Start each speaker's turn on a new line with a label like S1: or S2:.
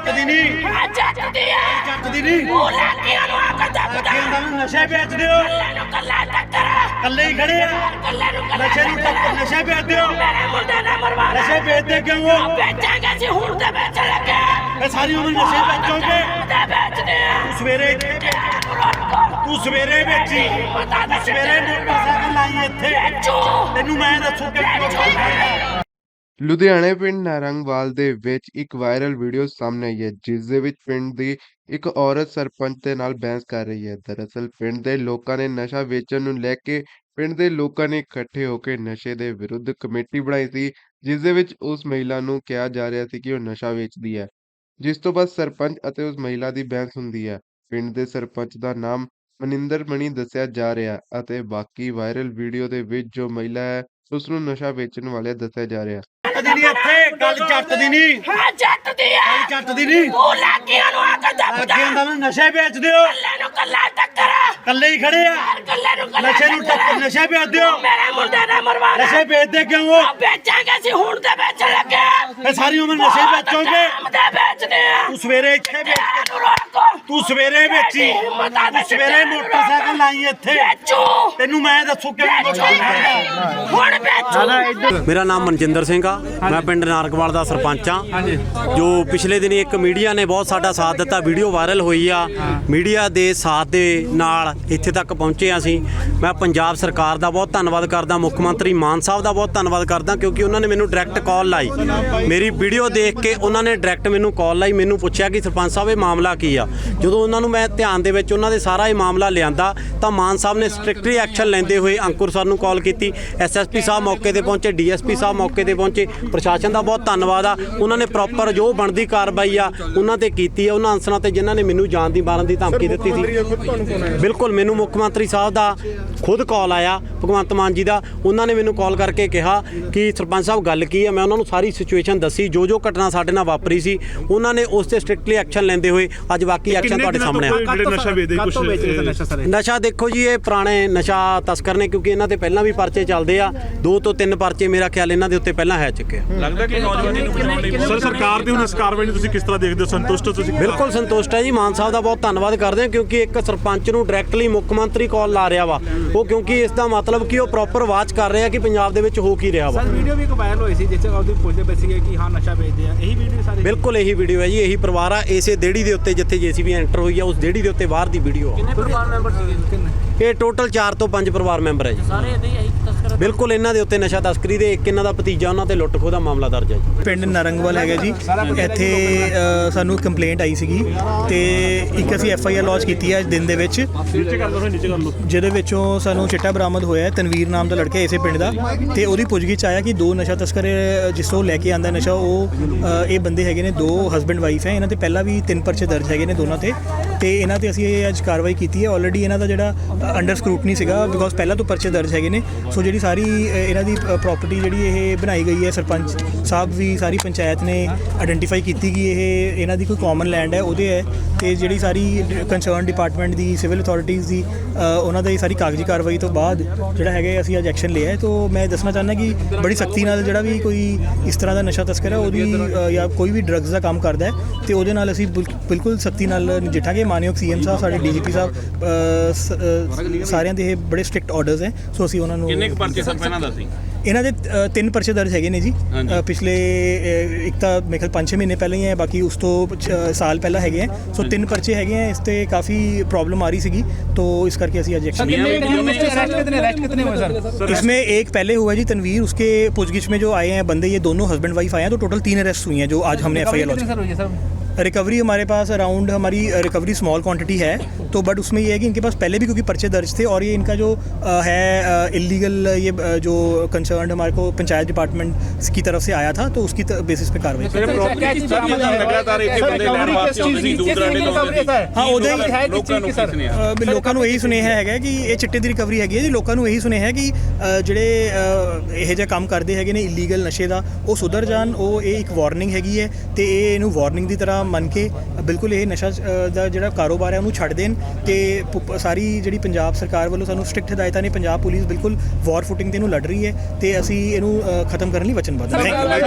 S1: ਦੀ ਨਹੀਂ
S2: ਜੱਟਦੀ ਹੈ
S1: ਜੱਟਦੀ ਨਹੀਂ
S2: ਉਹ ਲਾਕੀਆਂ ਨੂੰ ਆਕਰ ਦੱਬਦਾ
S1: ਨਸ਼ੇ ਵੇਚਦੇ ਹੋ
S2: ਕੱਲੇ ਨੂੰ ਕੱਲਾ ਟੱਕਰ
S1: ਕੱਲੇ ਹੀ ਖੜੇ ਆ
S2: ਕੱਲੇ ਨੂੰ ਕੱਲਾ
S1: ਨਸ਼ੇ ਨੂੰ ਟੱਕਰ ਨਸ਼ੇ ਵੇਚਦੇ ਹੋ
S2: ਮੇਰੇ ਮੁੰਡੇ ਨੇ ਮਰਵਾ
S1: ਨਸ਼ੇ ਵੇਚਦੇ ਕਿਉਂ ਹੋ
S2: ਵੇਚਾਂਗੇ ਸੀ ਹੁਣ ਤੇ ਵੇਚ ਲੱਗੇ
S1: ਇਹ ਸਾਰੀ ਉਮਰ ਨਸ਼ੇ ਵੇਚੋਗੇ
S2: ਤੇ ਵੇਚਦੇ ਆ
S1: ਤੂੰ ਸਵੇਰੇ ਤੂੰ ਸਵੇਰੇ ਵੇਚੀ ਸਵੇਰੇ ਮੋਟਰਸਾਈਕਲ ਲਾਈ ਇੱਥੇ ਤੈਨੂੰ ਮੈਂ ਦੱਸੂ ਕਿ
S3: ਲੁਧਿਆਣੇ ਪਿੰਡ ਨਾਰੰਗਵਾਲ ਦੇ ਵਿੱਚ ਇੱਕ ਵਾਇਰਲ ਵੀਡੀਓ ਸਾਹਮਣੇ ਆਈ ਹੈ ਜਿਸ ਦੇ ਵਿੱਚ ਪਿੰਡ ਦੀ ਇੱਕ ਔਰਤ ਸਰਪੰਚ ਦੇ ਨਾਲ ਬਹਿਸ ਕਰ ਰਹੀ ਹੈ। ਦਰਅਸਲ ਪਿੰਡ ਦੇ ਲੋਕਾਂ ਨੇ ਨਸ਼ਾ ਵੇਚਣ ਨੂੰ ਲੈ ਕੇ ਪਿੰਡ ਦੇ ਲੋਕਾਂ ਨੇ ਇਕੱਠੇ ਹੋ ਕੇ ਨਸ਼ੇ ਦੇ ਵਿਰੁੱਧ ਕਮੇਟੀ ਬਣਾਈ ਸੀ ਜਿਸ ਦੇ ਵਿੱਚ ਉਸ ਮਹਿਲਾ ਨੂੰ ਕਿਹਾ ਜਾ ਰਿਹਾ ਸੀ ਕਿ ਉਹ ਨਸ਼ਾ ਵੇਚਦੀ ਹੈ, ਜਿਸ ਤੋਂ ਬਾਅਦ ਸਰਪੰਚ ਅਤੇ ਉਸ ਮਹਿਲਾ ਦੀ ਬਹਿਸ ਹੁੰਦੀ ਹੈ। ਪਿੰਡ ਦੇ ਸਰਪੰਚ ਦਾ ਨਾਮ ਮਨਿੰਦਰ ਮਣੀ ਦੱਸਿਆ ਜਾ ਰਿਹਾ ਅਤੇ ਬਾਕੀ ਵਾਇਰਲ ਵੀਡੀਓ ਦੇ ਵਿੱਚ ਜੋ ਮਹਿਲਾ ਹੈ ਉਸ ਨੂੰ ਨਸ਼ਾ ਵੇਚਣ ਵਾਲੇ ਦੱਸਿਆ ਜਾ ਰਿਹਾ।
S1: ਦੀ ਇੱਥੇ ਗੱਲ ਜੱਟ ਦੀ ਨਹੀਂ
S2: ਜੱਟਦੀ ਹੈ
S1: ਜੱਟ ਦੀ ਨਹੀਂ
S2: ਉਹ ਲਾਕੀਆਂ ਨੂੰ ਆਕਰ ਦੱਬਦਾ
S1: ਅੱਗੇ ਹੁੰਦਾ ਮੈਂ ਨਸ਼ੇ ਵੇਚਦੇ ਹੋ
S2: ਕੱਲੇ ਨੂੰ ਕੱਲਾ ਟੱਕਰ
S1: ਕੱਲੇ ਹੀ ਖੜੇ ਆ
S2: ਕੱਲੇ ਨੂੰ ਕੱਲਾ
S1: ਨਸ਼ੇ ਨੂੰ ਟੱਕਰ ਨਸ਼ੇ ਵੇਚਦੇ ਹੋ
S2: ਮੇਰੇ ਮੁੰਡੇ ਨੇ ਮਰਵਾ
S1: ਨਸ਼ੇ ਵੇਚਦੇ ਕਿਉਂ ਹੋ
S2: ਵੇਚਾਂਗੇ ਸੀ ਹੁਣ ਤੇ ਵੇਚ ਲੱਗੇ
S1: ਇਹ ਸਾਰੀ ਉਮਰ ਨਸ਼ੇ ਵੇਚੋਗੇ
S2: ਤੇ ਵੇਚਦੇ ਆ
S1: ਤੂੰ ਸਵੇਰੇ ਇੱਥੇ ਵੇਚ
S2: ਨੂੰ ਰੋਕੋ
S1: ਤੂੰ ਸਵੇਰੇ ਵੇਚੀ ਤੂੰ ਸਵੇਰੇ ਮੋਟਰਸਾਈਕਲ ਲਾਈ ਇੱਥੇ ਤੈਨੂੰ ਮੈਂ ਦੱਸੂ ਕਿ
S2: ਹੁਣ ਵੇਚੋ
S4: ਮੇਰਾ ਨਾਮ ਮਨਜਿੰਦਰ ਸਿੰਘ ਆ। ਮੈਂ ਪਿੰਡ ਨਾਰੰਗਵਾਲ ਦਾ ਸਰਪੰਚ ਆ। ਜੋ ਪਿਛਲੇ ਦਿਨੀ ਇੱਕ ਮੀਡੀਆ ਨੇ ਬਹੁਤ ਸਾਡਾ ਸਾਥ ਦਿੱਤਾ, ਵੀਡੀਓ ਵਾਇਰਲ ਹੋਈ ਆ। ਮੀਡੀਆ ਦੇ ਸਾਥ ਦੇ ਨਾਲ ਇੱਥੇ ਤੱਕ ਪਹੁੰਚੇ ਅਸੀਂ। ਮੈਂ ਪੰਜਾਬ ਸਰਕਾਰ ਦਾ ਬਹੁਤ ਧੰਨਵਾਦ ਕਰਦਾ, ਮੁੱਖ ਮੰਤਰੀ ਮਾਨ ਸਾਹਿਬ ਦਾ ਬਹੁਤ ਧੰਨਵਾਦ ਕਰਦਾ ਕਿਉਂਕਿ ਉਹਨਾਂ ਨੇ ਮੈਨੂੰ ਡਾਇਰੈਕਟ ਕਾਲ ਲਾਈ। ਮੇਰੀ ਵੀਡੀਓ ਦੇਖ ਕੇ ਉਹਨਾਂ ਨੇ ਡਾਇਰੈਕਟ ਮੈਨੂੰ ਕਾਲ ਲਾਈ, ਮੈਨੂੰ ਪੁੱਛਿਆ ਕਿ ਸਰਪੰਚ ਸਾਹਿਬ ਇਹ ਮਾਮਲਾ ਕੀ ਆ। ਜਦੋਂ ਉਹਨਾਂ ਨੂੰ ਮੈਂ ਧਿਆਨ ਦੇ ਵਿੱਚ ਉਹਨਾਂ ਦੇ ਸਾਰਾ ਇਹ ਮਾਮਲਾ ਲਿਆਂਦਾ ਤਾਂ ਮਾਨ ਸਾਹਿਬ ਨੇ ਸਟ੍ਰਿਕਟਲੀ ਐਕਸ਼ਨ ਲੈਂਦੇ ਹੋਏ ਅੰਕੁਰ ਸਰ ਨੂੰ ਕਾਲ ਕੀਤੀ। ਐਸਐਸਪੀ ਸਾਹਿਬ ਮੌਕੇ ਤੇ ਪਹੁੰਚੇ, ਡੀਐਸਪੀ ਸਾਹਿਬ ਮੌਕੇ ਤੇ ਪਹੁੰਚੇ। ਪ੍ਰਸ਼ਾਸਨ ਦਾ ਬਹੁਤ ਧੰਨਵਾਦ ਆ, ਉਹਨਾਂ ਨੇ ਪ੍ਰੋਪਰ ਜੋ ਬਣਦੀ ਕਾਰਵਾਈ ਆ ਉਹਨਾਂ ਤੇ ਕੀਤੀ ਆ। ਉਹਨਾਂ ਅਨਸਰਾਂ ਤੇ ਜਿਨ੍ਹਾਂ ਨੇ ਮੈਨੂੰ ਜਾਨ ਦੀ ਮਾਰਨ ਦੀ ਧਮਕੀ ਦਿੱਤੀ ਸੀ, ਬਿਲਕੁਲ ਮੈਨੂੰ ਮੁੱਖ ਮੰਤਰੀ ਸਾਹਿਬ ਦਾ ਖੁਦ ਕਾਲ ਆਇਆ, ਭਗਵੰਤ ਮਾਨ ਜੀ ਦਾ। ਉਹਨਾਂ ਨੇ ਮੈਨੂੰ ਕਾਲ ਕਰਕੇ ਕਿਹਾ ਕਿ ਸਰਪੰਚ ਸਾਹਿਬ ਗੱਲ ਕੀ ਆ। ਮੈਂ ਉਹਨਾਂ ਨੂੰ ਸਾਰੀ ਸਿਚੁਏਸ਼ਨ ਦੱਸੀ, ਜੋ ਘਟਨਾ ਸਾਡੇ ਨਾਲ ਵਾਪਰੀ ਸੀ। ਉਹਨਾਂ ਨੇ ਉਸ ਤੇ ਸਟ੍ਰਿਕਟਲੀ ਐਕਸ਼ਨ ਲੈਂਦੇ ਹੋਏ ਅੱਜ ਬਾਕੀ ਐਕਸ਼ਨ ਤੁਹਾਡੇ ਸਾਹਮਣੇ ਆ। ਨਸ਼ਾ ਦੇਖੋ ਜੀ, ਇਹ ਪੁਰਾਣੇ ਨਸ਼ਾ ਤਸਕਰ ਨੇ ਕਿਉਂਕਿ ਇਹਨਾਂ ਤੇ ਪਹਿਲਾਂ ਵੀ ਪਰਚੇ ਚੱਲਦੇ ਆ। 2 ਤੋਂ 3 ਪਰਚੇ ਮੇਰਾ ਖਿਆਲ ਇਹਨਾਂ ਦੇ ਉੱਤੇ ਪਹਿਲਾਂ ਹੈ ਚੁੱਕੇ ਆ।
S5: ਲੱਗਦਾ ਕਿ ਨੌਜਵਾਨੀ ਨੂੰ ਬਣਾਉਣ ਲਈ ਸਰ ਸਰਕਾਰ ਦੀ ਹੁਣ ਇਸ ਕਾਰਵਾਈ ਨੂੰ ਤੁਸੀਂ ਕਿਸ ਤਰ੍ਹਾਂ ਦੇਖਦੇ ਹੋ? ਸੰਤੁਸ਼ਟ ਹੋ ਤੁਸੀਂ?
S4: ਬਿਲਕੁਲ ਸੰਤੁਸ਼ਟ ਹੈ ਜੀ, ਮਾਨ ਸਾਹਿਬ ਦਾ ਬਹੁਤ ਧੰਨਵਾਦ ਕਰਦੇ ਹਾਂ ਕਿਉਂਕਿ ਇੱਕ ਸਰਪੰਚ ਨੂੰ ਡਾਇਰੈਕਟਲੀ ਮੁੱਖ ਮੰਤਰੀ ਕਾਲ ਲਾ ਰਿਹਾ ਵਾ ਉਹ, ਕਿਉਂਕਿ ਇਸ ਦਾ ਮਤਲਬ ਕਿ ਉਹ ਪ੍ਰੋਪਰ ਵਾਚ ਕਰ ਰਿਹਾ ਕਿ ਪੰਜਾਬ ਦੇ ਵਿੱਚ ਹੋ ਕੀ ਰਿਹਾ ਵਾ।
S6: ਸਰ ਵੀਡੀਓ ਵੀ ਇੱਕ ਵਾਇਰਲ ਹੋਈ ਸੀ ਜਿਸ ਚ ਉਹਦੀ ਪੁੱਛਦੇ ਪਏ ਸੀਗੇ ਕਿ ਹਾਂ ਨਸ਼ਾ ਵੇਚਦੇ ਆ, ਇਹੀ ਵੀਡੀਓ ਸਾਰੇ?
S4: ਬਿਲਕੁਲ ਇਹੀ ਵੀਡੀਓ ਹੈ ਜੀ, ਇਹੀ ਪਰਿਵਾਰ ਆ। ਇਸੇ ਦੇੜੀ ਦੇ ਉੱਤੇ ਜਿੱਥੇ ਜੇਸੀਬੀ ਐਂਟਰ ਹੋਈ ਆ ਉਸ ਦੇੜੀ ਦੇ ਉੱਤੇ ਬਾਹਰ ਦੀ ਵੀਡੀਓ ਆ।
S6: ਕਿੰਨੇ ਪਰਿਵਾਰ ਮੈਂਬਰ ਸੀਗੇ?
S4: ਇਹ ਟੋਟਲ 4 ਤੋਂ 5 ਪਰਿਵਾਰ ਮੈਂਬਰ ਹੈ ਜੀ।
S6: ਸਾਰੇ ਇਹਦੇ ਹੀ ਤਸਕਰ?
S4: ਬਿਲਕੁਲ ਇਹਨਾਂ ਦੇ ਉੱਤੇ ਨਸ਼ਾ ਤਸਕਰੀ ਦੇ ਇੱਕ ਇਹਨਾਂ ਦਾ ਭਤੀਜਾ, ਉਹਨਾਂ ਤੇ ਲੁੱਟ ਖੋਹ ਦਾ ਮਾਮਲਾ ਦਰਜ ਹੈ ਜੀ।
S7: ਪਿੰਡ ਨਾਰੰਗਵਾਲ ਹੈਗਾ ਜੀ। ਇੱਥੇ ਸਾਨੂੰ ਕੰਪਲੇਂਟ ਆਈ ਸੀਗੀ ਤੇ ਇੱਕ ਅਸੀਂ FIR ਲੌਂਚ ਕੀਤੀ ਹੈ ਅੱਜ ਦਿਨ ਦੇ ਵਿੱਚ, ਜਿਹਦੇ ਵਿੱਚੋਂ ਸਾਨੂੰ ਚਿੱਟਾ ਬਰਾਮਦ ਹੋਇਆ। ਤਨਵੀਰ ਨਾਮ ਦਾ ਲੜਕਾ ਇਸੇ ਪਿੰਡ ਦਾ, ਤੇ ਉਹਦੀ ਪੁੱਛਗਿੱਛ ਆਇਆ ਕਿ 2 ਨਸ਼ਾ ਤਸਕਰ ਜਿਸ ਤੋਂ ਲੈ ਕੇ ਆਂਦਾ ਨਸ਼ਾ, ਉਹ ਇਹ ਬੰਦੇ ਹੈਗੇ ਨੇ, 2 ਹਸਬੈਂਡ ਵਾਈਫ ਹੈ। ਇਹਨਾਂ ਤੇ ਪਹਿਲਾਂ ਵੀ 3 ਪਰਚੇ ਦਰਜ ਹੈਗੇ ਨੇ ਦੋਨਾਂ ਤੇ ਇਹਨਾਂ ਤੇ ਅਸੀਂ ਇਹ ਅੱਜ ਕਾਰਵਾਈ ਕੀਤੀ ਹੈ। ਆਲਰੇਡੀ ਇਹਨਾਂ ਦਾ ਜਿਹੜਾ ਅੰਡਰ ਸਕਰੂਟਨੀ ਸੀਗਾ ਬਿਕੋਜ਼ ਪਹਿਲਾਂ ਤੋਂ ਪਰਚੇ ਦਰਜ ਹੈਗੇ ਨੇ। ਸੋ ਜਿਹੜੀ ਸਾਰੀ ਇਹਨਾਂ ਦੀ ਪ੍ਰਾਪਰਟੀ ਜਿਹੜੀ ਇਹ ਬਣਾਈ ਗਈ ਹੈ, ਸਰਪੰਚ ਸਾਹਿਬ ਵੀ ਸਾਰੀ ਪੰਚਾਇਤ ਨੇ ਆਇਡੈਂਟੀਫਾਈ ਕੀਤੀ ਕਿ ਇਹ ਇਹਨਾਂ ਦੀ ਕੋਈ ਕਾਮਨ ਲੈਂਡ ਹੈ, ਉਹਦੇ ਹੈ। ਤੇ ਜਿਹੜੀ ਸਾਰੀ ਕੰਸਰਨ ਡਿਪਾਰਟਮੈਂਟ ਦੀ, ਸਿਵਲ ਅਥਾਰਟੀਜ਼ ਦੀ, ਉਹਨਾਂ ਦੀ ਸਾਰੀ ਕਾਗਜ਼ੀ ਕਾਰਵਾਈ ਤੋਂ ਬਾਅਦ ਜਿਹੜਾ ਹੈਗਾ ਅਸੀਂ ਅੱਜ ਐਕਸ਼ਨ ਲਿਆ ਹੈ। ਤਾਂ ਮੈਂ ਦੱਸਣਾ ਚਾਹੁੰਦਾ ਕਿ ਬੜੀ ਸਖਤੀ ਨਾਲ ਜਿਹੜਾ ਵੀ ਕੋਈ ਇਸ ਤਰ੍ਹਾਂ ਦਾ ਨਸ਼ਾ ਤਸਕਰ ਹੈ ਉਹਦੀ ਜਾਂ ਕੋਈ ਵੀ ਡਰੱਗਸ ਦਾ ਕੰਮ ਕਰਦਾ ਹੈ ਤੇ ਉਹਦੇ ਨਾਲ ਅਸੀਂ ਬਿਲਕੁਲ ਸਖਤੀ ਨਾਲ ਨਜਿੱਠਾਂਗੇ। ਮਾਨਯੋਗ CM ਸਾਹਿਬ, ਸਾਡੇ DGP ਸਾਹਿਬ, ਸਾਰਿਆਂ ਦੇ ਇਹ ਬੜੇ ਸਟ੍ਰਿਕਟ ਆਰਡਰਸ ਹੈ। ਸੋ ਅਸੀਂ ਉਹਨਾਂ ਨੂੰ
S5: ਕਿੰਨੇ ਕੁ ਪਰਚੇ ਸਰ ਪਹਿਲਾਂ ਦੱਸੀ?
S7: ਇਹਨਾਂ ਦੇ 3 ਪਰਚੇ ਦਰਜ ਹੈਗੇ ਨੇ ਜੀ। ਪਿਛਲੇ ਇੱਕ ਤਾਂ ਮੇਰੇ ਖਿਆਲ 5-6 ਮਹੀਨੇ ਪਹਿਲਾਂ ਹੀ ਹੈ, ਬਾਕੀ ਉਸ ਤੋਂ ਸਾਲ ਪਹਿਲਾਂ ਹੈਗੇ ਹੈ। ਸੋ 3 ਪਰਚੇ ਹੈਗੇ ਹੈ। ਇਸ ਤੇ ਕਾਫੀ ਪ੍ਰॉब्लम आ रही ਸੀਗੀ, तो इस करके ਅਸੀਂ आज एक्शन इसमें एक पहले हुआ है जी तनवीर, उसके पूछगिछ में जो आए हैं बंदे, ये दोनों हस्बैंड वाइफ आए हैं। तो टोटल 3 अरेस्ट हुई हैं जो आज हमने FIR लॉन्च। रिकवरी हमारे पास अराउंड, हमारी रिकवरी स्मॉल क्वांटिटी है, तो बट उसमें ये है कि इनके पास पहले भी क्योंकि पर्चे दर्ज थे और ये इनका जो है इलीगल, ये जो कंसर्न हमारे को पंचायत डिपार्टमेंट की तरफ से आया था, तो उसकी बेसिस पे कार्रवाई। हाँ लोगों ਨੂੰ ਇਹੀ ਸੁਨੇਹਾ ਹੈਗਾ ਕਿ ਇਹ ਚਿੱਟੇ ਦੀ ਰਿਕਵਰੀ ਹੈਗੀ ਹੈ ਜੀ। ਲੋਕਾਂ ਨੂੰ ਇਹੀ ਸੁਨੇਹਾ ਹੈ ਕਿ ਜਿਹੜੇ ਇਹ ਜਿਹਾ ਕੰਮ ਕਰਦੇ ਹੈਗੇ ਨੇ ਇਲੀਗਲ ਨਸ਼ੇ ਦਾ, ਉਹ ਸੁਧਰ ਜਾਣ। ਉਹ ਇਹ ਇੱਕ ਵਾਰਨਿੰਗ ਹੈਗੀ ਹੈ ਤੇ ਇਹ ਇਹਨੂੰ ਵਾਰਨਿੰਗ ਦੀ ਤਰ੍ਹਾਂ ਮੰਨ ਕੇ ਬਿਲਕੁਲ ਇਹ ਨਸ਼ਾ ਦਾ ਜਿਹੜਾ ਕਾਰੋਬਾਰ ਹੈ ਉਹਨੂੰ ਛੱਡ ਦੇਣ। ਤੇ ਸਾਰੀ ਜਿਹੜੀ ਪੰਜਾਬ ਸਰਕਾਰ ਵੱਲੋਂ ਸਾਨੂੰ ਸਟ੍ਰਿਕਟ ਹਦਾਇਤਾਂ ਨੇ, ਪੰਜਾਬ ਪੁਲਿਸ ਬਿਲਕੁਲ ਵਾਰ ਫੁਟਿੰਗ ਤੇ ਇਹਨੂੰ ਲੜ ਰਹੀ ਹੈ ਤੇ ਅਸੀਂ ਇਹਨੂੰ ਖਤਮ ਕਰਨ ਲਈ ਵਚਨਬੱਧ ਹਾਂ।